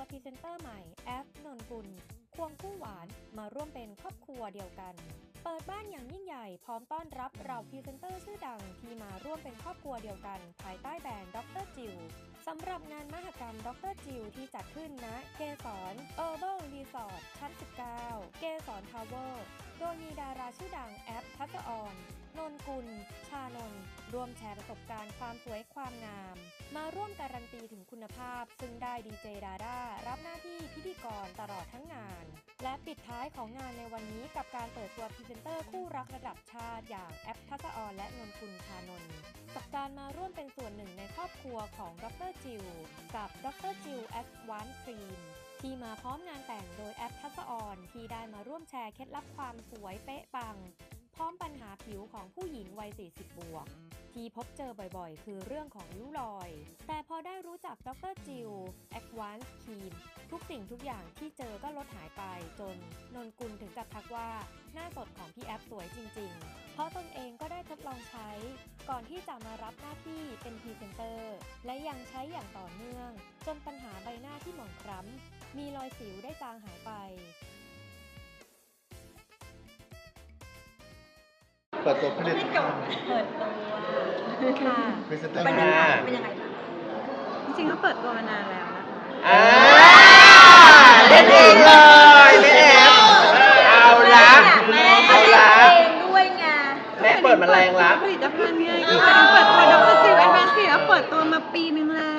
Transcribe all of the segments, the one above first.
พรีเซนเตอร์ใหม่แอฟนนกุลควงคู่หวานมาร่วมเป็นครอบครัวเดียวกันเปิดบ้านอย่างยิ่งใหญ่พร้อมต้อนรับเราพรีเซนเตอร์ชื่อดังที่มาร่วมเป็นครอบครัวเดียวกันภายใต้แบรนด์ดร.จิวสำหรับงานมหกรรมดร.จิวที่จัดขึ้นณเกสรเออร์เบิลรีสอร์ทชั้น 19 เกสรทาวเวอร์โดยมีดาราชื่อดังแอฟทัศออนนนกุลชานนท์ร่วมแชร์ประสบการณ์ความสวยความงามมาร่วมการันตีถึงคุณภาพซึ่งได้ดีเจดาด้ารับหน้าที่พิธีกรตลอดทั้งงานและปิดท้ายของงานในวันนี้กับการเปิดตัวพรีเซนเตอร์คู่รักระดับชาติอย่างแอฟทัศออนและนนกุลชานนท์กับการมาร่วมเป็นส่วนหนึ่งในครอบครัวของดร.จิวกับดร.จิวแอดวานซ์ครีมที่มาพร้อมงานแต่งโดยแอฟทัศออนที่ได้มาร่วมแชร์เคล็ดลับความสวยเป๊ะปังพร้อมปัญหาผิวของผู้หญิงวัย 40 บวกที่พบเจอบ่อยๆ คือเรื่องของริ้วรอย แต่พอได้รู้จักดร.จิวแอดวานซ์ครีมทุกสิ่งทุกอย่างที่เจอก็ลดหายไปจนนนกุลถึงกับทักว่าหน้าสดของพี่แอฟสวยจริงๆ เพราะตนเองก็ได้ทดลองใช้ก่อนที่จะมารับหน้าที่เป็นพรีเซนเตอร์และยังใช้อย่างต่อเนื่องจนปัญหาใบหน้าที่หมองคล้ำมีรอยสิวได้จางหายไปเปิดตัวผลิตภัณฑ์เปิดตัวค่ะพรีเซนเตอร์บรรยากาศเป็นยังไงคะจริงๆก็เปิดตัวมานานแล้วนะคะเล่นเองเลยแม่แอฟเอาละเอาละเองด้วยไงแม่เปิดมาแรงละผลิตภัณฑ์ไงก็เปิดตัวดร.จิวแอดวานซ์ครีมแล้วเปิดตัวมาปีนึงแล้ว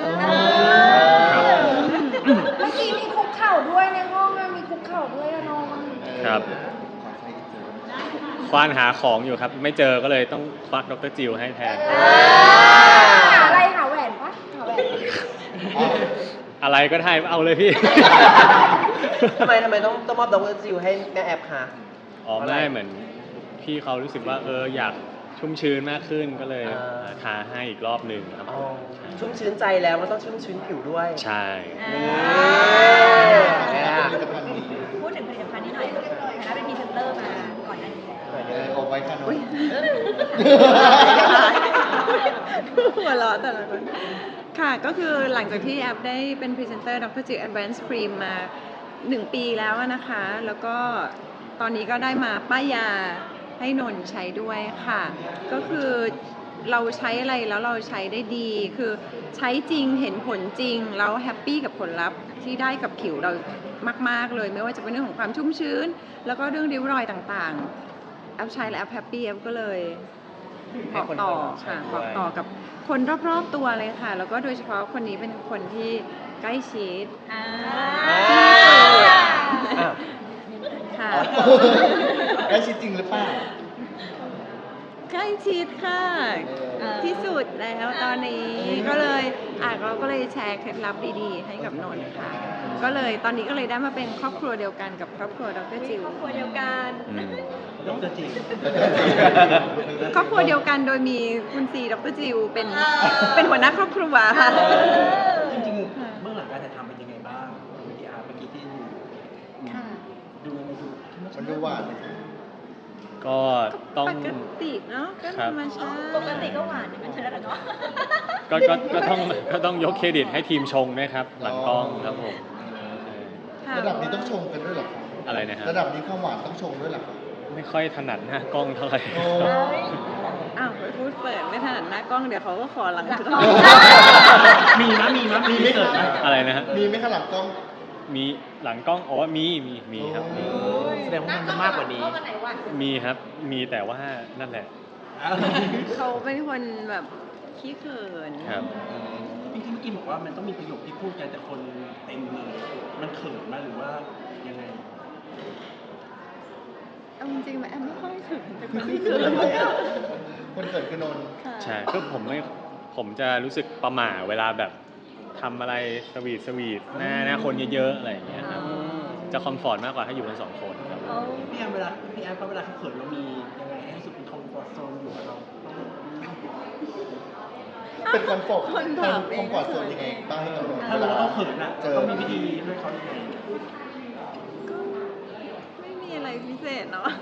เมื่อกี้มีคุกเข่าด้วยในห้องมีคุกเข่าด้วยอะน้องครับควานหาของอยู่ครับไม่เจอก็เลยต้องควักดร.จิวให้แทนหาอะไรหาแหวนปะหาแหวนอะไรก็ได้เอาเลยพี่ทำไมต้องมอบดร.จิวให้แม่แอฟคะอ๋อไม่เหมือนพี่เขารู้สึกว่าอยากชุ่มชื้นมากขึ้นก็เลยทาให้อีกรอบหนึ่งครับอ๋อชุ่มชื้นใจแล้วมันต้องชุ่มชื้นผิวด้วยใช่ผลิตภัณฑ์นี้พูดถึงผลิตภัณฑ์นี้หน่อยนะเป็นพรีเซนเตอร์มาก่อนหน้านี้แล้วเอาไว้ค่ะน้องหัวเราะแต่ละคนค่ะก็คือหลังจากที่แอปได้เป็นพรีเซนเตอร์ดร.จิวแอดวานซ์ครีมมา1 ปีแล้วนะคะแล้วก็ตอนนี้ก็ได้มาป้ายยาให้นนท์ใช้ด้วยค่ะก็คือเราใช้อะไรแล้วเราใช้ได้ดีคือใช้จริงเห็นผลจริงแล้วแฮปปี้กับผลลัพธ์ที่ได้กับผิวเรามากๆเลยไม่ว่าจะเป็นเรื่องของความชุ่มชื้นแล้วก็เรื่องริ้วรอยต่างๆแอปใช้แล้วแอปแฮปปี้แอปก็เลยบอกต่อค่ะบอกต่อกับคนรอบๆตัวเลยค่ะแล้วก็โดยเฉพาะคนนี้เป็นคนที่ใกล้ชิดค่ะได้ชิดจริงหรือเปล่าใกล้ชิดค่ะที่สุดแล้วตอนนี้ก็เลยเราก็เลยแชร์เคล็ดลับดีๆให้กับนนท์ค่ะก็เลยตอนนี้ก็เลยได้มาเป็นครอบครัวเดียวกันกับครอบครัวดร.จิวครอบครัวเดียวกันดร.จิวครอบครัวเดียวกันโดยมีคุณซีดร.จิวเป็นหัวหน้าครอบครัวค่ะจริงๆเบื้องหลังการถ่ายทำเป็นยังไงบ้างวิดีอาร์เมื่อกี้ที่ดูมันดูหวานก็ต้องปกติเนาะก็ธรรมชาติปกติก็หวานอย่างนั้นใช่แล้วเนาะก็ต้องยกเครดิตให้ทีมชงด้วยครับหลังกล้องครับผมค่ะระดับนี้ต้องชงกันด้วยเหรอครับอะไรนะฮะระดับนี้ความหวานต้องชงด้วยเหรอครับไม่ค่อยถนัดหน้ากล้องเท่าไหร่โอ้อ้าวไปพูดเปิดไม่ถนัดหน้ากล้องเดี๋ยวเขาก็ขอหลังกล้องมีไหมเกิดไหมอะไรนะฮะมีไหมคะหลังกล้องมีหลังกล้องอ๋อมีครับมีแสดงว่ามันจะมากกว่านี้มีครับมีแต่ว่านั่นแหละเขาเป็นคนแบบขี้เขินครับจริงๆเมื่อกี้บอกว่ามันต้องมีประโยคที่พูดกันแต่คนเต็มเลยมันเขินไหมหรือว่ายังไงเอาจริงๆแอมไม่ค่อยถึงแต่คนที่คือคนเกิดคือนนท์ใช่ก็ผมจะรู้สึกประหม่าเวลาแบบทำอะไรสวีทหน้าคนเยอะๆอะไรอย่างเงี้ยครับจะคอมฟอร์ตมากกว่าถ้าอยู่กัน2 คนครับพี่แอมเวลาเขาเขินเรามียังไงให้รู้สึกเป็นคอมฟอร์ตโซนอยู่กับเราเป็นคอนฟอร์ตคนถามเองคอมฟอร์ตโซนยังไงบ้างให้กับนนท์ถ้ารู้ว่าเขาเขินนะเจอต้องมีวิธีให้เขายังไงก็ไม่มีอะไรพิเศษเนาะ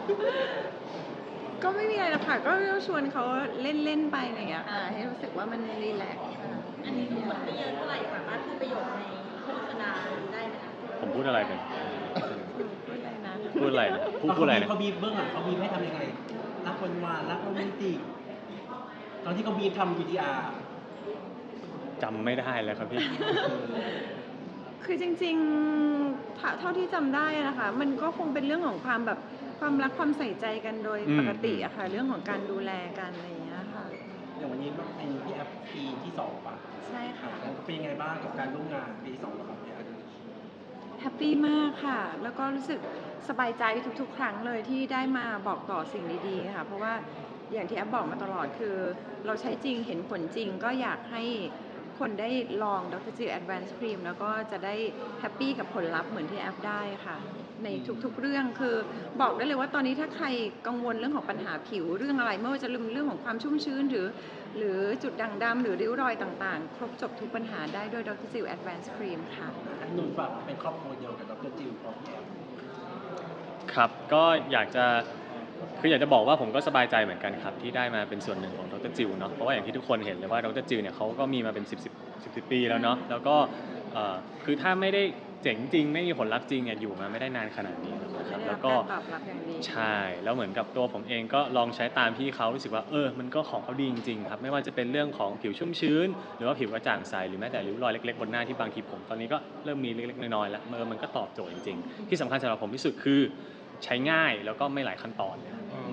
ก็ไม่มีอะไรหรอกค่ะก็ชวนเขาเล่นๆไปอะไรอย่างเงี้ยค่ะให้รู้สึกว่ามันรีแลกซ์ค่ะอันนี้ดูเหมือนไม่เยอะเท่าไหร่สามารถพูดประโยคในผมพูดอะไรเป็นพูดอะไรนะพูดอะไรนะพูดอะไรนะเขาบีบเบื้องหลังเขาบีบให้ทำยังไงรักหวานๆรักโรแมนติกตอนที่เขาบีบทำ VTR จำไม่ได้แล้วครับพี่คือจริงๆเท่าที่จำได้นะคะ มันก็คงเป็นเรื่องของความแบบความรักความใส่ใจกันโดยปกติอะค่ะ เรื่องของการดูแลกันอะไรอย่างเงี้ยค่ะอย่างวันนี้เป็นพี่แอฟปีที่2ป่ะใช่ค่ะเป็นยังไงบ้างกับการร่วมงานปีที่2แล้วครับพี่แอฟแฮปปี้มากค่ะ แล้วก็รู้สึกสบายใจทุกๆ ครั้งเลยที่ได้มาบอกต่อสิ่งดีๆค่ะ เพราะว่าอย่างที่แอฟบอกมาตลอดคือเราใช้จริงเห็นผลจริงก็อยากให้คนได้ลองดรจิล Advanced Cream แล้วก็จะได้แฮปปี้กับผลลัพธ์เหมือนที่แอฟได้ค่ะ ในทุกๆเรื่องคือบอกได้เลยว่าตอนนี้ถ้าใครกังวลเรื่องของปัญหาผิวเรื่องอะไรไม่ว่าจะเรื่องของความชุ่มชื้นหรือจุดด่างดำหรือริ้วรอยต่างๆ ครบจบทุกปัญหาได้ด้วยดรจิล Advanced Cream ค่ะอันนนฝากเป็นครอบครัวเดียวกับดรจิลพร้อมพี่แอฟครับก็อยากจะบอกว่าผมก็สบายใจเหมือนกันครับที่ได้มาเป็นส่วนหนึ่งของดรจิลเนาะเพราะว่าอย่างที่ทุกคนเห็นเลยว่าดรจิลเนี่ยเขาก็มีมาเป็น10 ปีแล้วเนาะแล้วก็คือถ้าไม่ได้เจ๋งจริงไม่มีผลลัพธ์จริงเนี่ยอยู่มาไม่ได้นานขนาดนี้นะครับแล้วก็ตอบรับอย่างดีใช่แล้วเหมือนกับตัวผมเองก็ลองใช้ตามพี่เขารู้สึกว่ามันก็ของเขาดีจริงๆครับไม่ว่าจะเป็นเรื่องของผิวชุ่มชื้นหรือว่าผิวกระจ่างใสหรือแม้แต่ริ้วรอยเล็กๆบนหน้าที่บางทีผมตอนนี้ก็เริ่มมีเล็กๆน้อยๆแล้วมันก็ตอบโจทย์จริงๆที่สำคัญสำหรับผมที่สุดคือใช้ง่ายแล้วก็ไม่หลายขั้นตอน